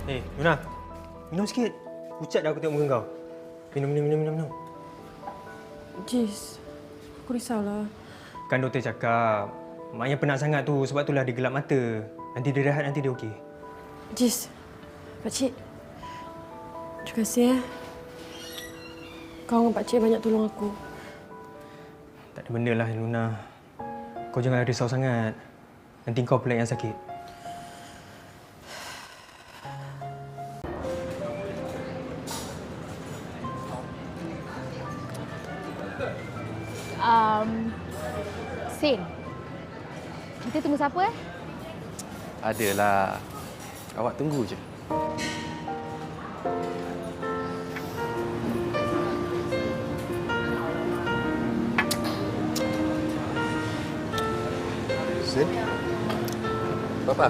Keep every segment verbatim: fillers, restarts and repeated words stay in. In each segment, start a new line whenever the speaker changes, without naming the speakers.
Eh, Luna. Minum sikit. Pucat dah aku tengok muka kau. Minum, minum, minum, minum. minum.
Jis, aku risaulah.
Kan doktor cakap, mak yang penat sangat tu sebab itulah dia gelap mata. Nanti dia rehat, nanti dia okey.
Jis, Pakcik. Terima kasih ya. Kau dengan Pakcik banyak tolong aku.
Tak ada benda lah, Luna. Kau jangan risau sangat. Nanti kau pula yang sakit.
Um, Sin, kita tunggu siapa eh?
Adalah. Awak tunggu je.
Sin?
Papa.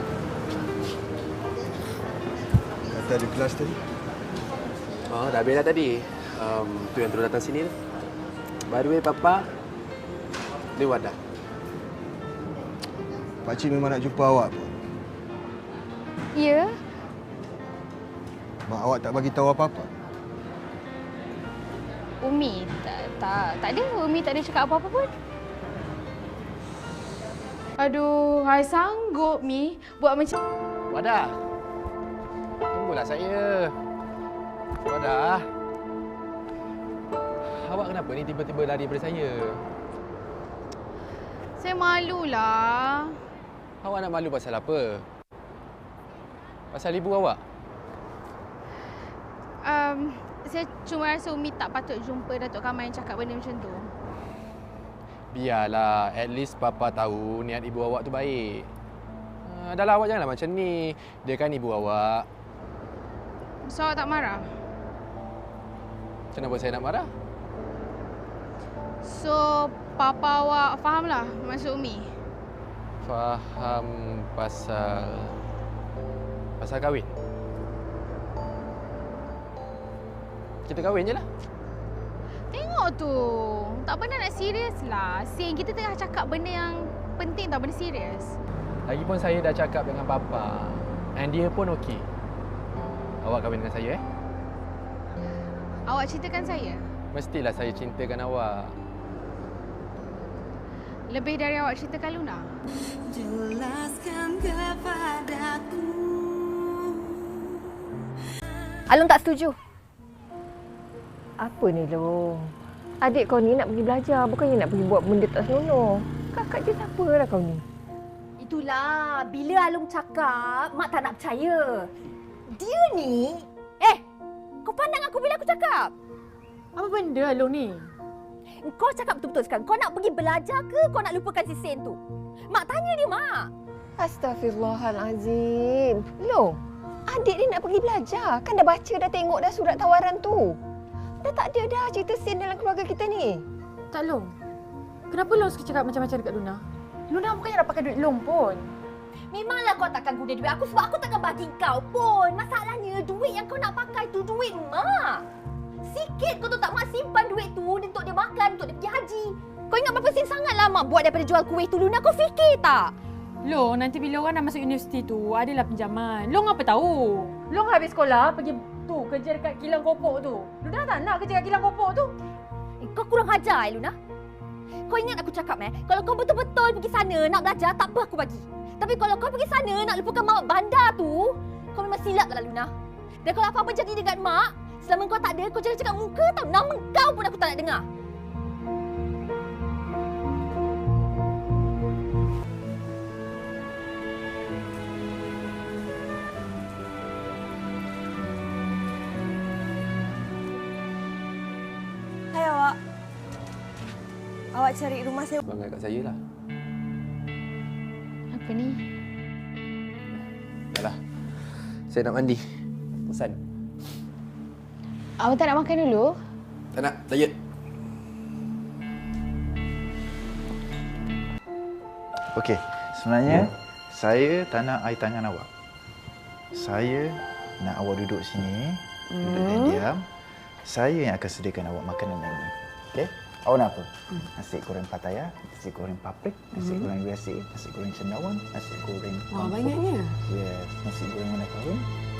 Kata ada kelas tadi?
Oh, dah habis dah tadi. Um, tu yang terus datang sini tu. By the way, Papa. Ni Wadah.
Pakcik memang nak jumpa awak pun.
Ya.
Mak awak tak bagi tahu apa-apa.
Umi, tak, tak, tak ada. Umi tak ada cakap apa-apa pun. Aduh, I sanggup, Mi. Buat macam...
Wadah. Tunggulah saya. Wadah. Awak kenapa ni tiba-tiba lari daripada saya?
Saya malulah.
Awak nak malu pasal apa? Pasal ibu awak?
Um, saya cuma rasa Umi tak patut jumpa Datuk Kamal yang cakap benda macam tu.
Biarlah, at least Papa tahu niat ibu awak tu baik. Uh, dah lah, awak janganlah macam ni. Dia kan ibu awak.
So, awak tak marah?
Kenapa saya nak marah?
So, Papa awak fahamlah maksud Umi?
Faham pasal... pasal kahwin? Kita kahwin je lah.
Tengok tu. Tak pernah nak serius lah. Sin, kita tengah cakap benda yang penting tau, benda serius.
Lagipun saya dah cakap dengan Papa. And dia pun okey. Awak kahwin dengan saya, eh?
Awak ceritakan saya.
Mestilah saya cintakan awak.
Lebih dari awak ceritakan Luna.
Jelaskan kepadaku.
Alung tak setuju. Apa ni, Long? Adik kau ni nak pergi belajar, bukannya nak pergi buat benda tak senonoh. Kakak je siapa lah kau ni?
Itulah, bila Alung cakap, Mak tak nak percaya. Dia ni... Eh, kau pandang aku bila aku cakap?
Apa benda Alung ni?
Kau cakap betul-betul sekarang. Kau nak pergi belajar ke kau nak lupakan si Sen tu? Mak tanya dia, Mak.
Astaghfirullahalazim. Long, adik ni nak pergi belajar. Kan dah baca, dah tengok dah surat tawaran tu. Dah tak ada dah cerita sen dalam keluarga kita ni.
Tak, Long. Kenapa Long suka cakap macam-macam dekat Luna? Luna bukannya nak pakai duit Long pun.
Memanglah kau takkan guna duit aku sebab aku takkan bagi kau pun. Masalahnya duit yang kau nak pakai tu duit Mak. Sikit kau tahu tak, Mak simpan duit tu untuk dia makan, untuk dia pergi haji. Kau ingat berapa sen sangatlah Mak buat daripada jual kuih tu, Luna. Kau fikir tak?
Long, nanti bila orang dah masuk universiti tu, adalah pinjaman. Long apa tahu? Long habis sekolah, pergi tu kerja dekat kilang kopok tu. Luna tak nak kerja dekat kilang kopok tu.
Eh, kau kurang ajar, eh, Luna. Kau ingat aku cakap, eh? Kalau kau betul-betul pergi sana nak belajar, tak apa aku bagi. Tapi kalau kau pergi sana nak lupakan Mak bandar tu, kau memang silap lah, Luna. Dan kalau apa-apa jadi dengan Mak, selama kau tak ada, kau jangan cakap muka tau. Nama kau pun aku tak nak dengar.
Hai awak. Awak cari rumah saya.
Bangga kat saya lah.
Apa ni?
Dah lah. Saya nak mandi. Pesan.
Awak tak nak makan dulu?
Tak nak. Diet.
Okey, sebenarnya saya tak nak air tangan awak. Saya nak awak duduk sini, duduk dan diam. Saya yang akan sediakan awak makanan ini. Okey? Awak nak apa? Nasi goreng Pattaya, nasi goreng paprik, nasi goreng biasa, nasi goreng cendawan, nasi goreng...
Wah, banyaknya.
Yes, nasi goreng mana kahwin,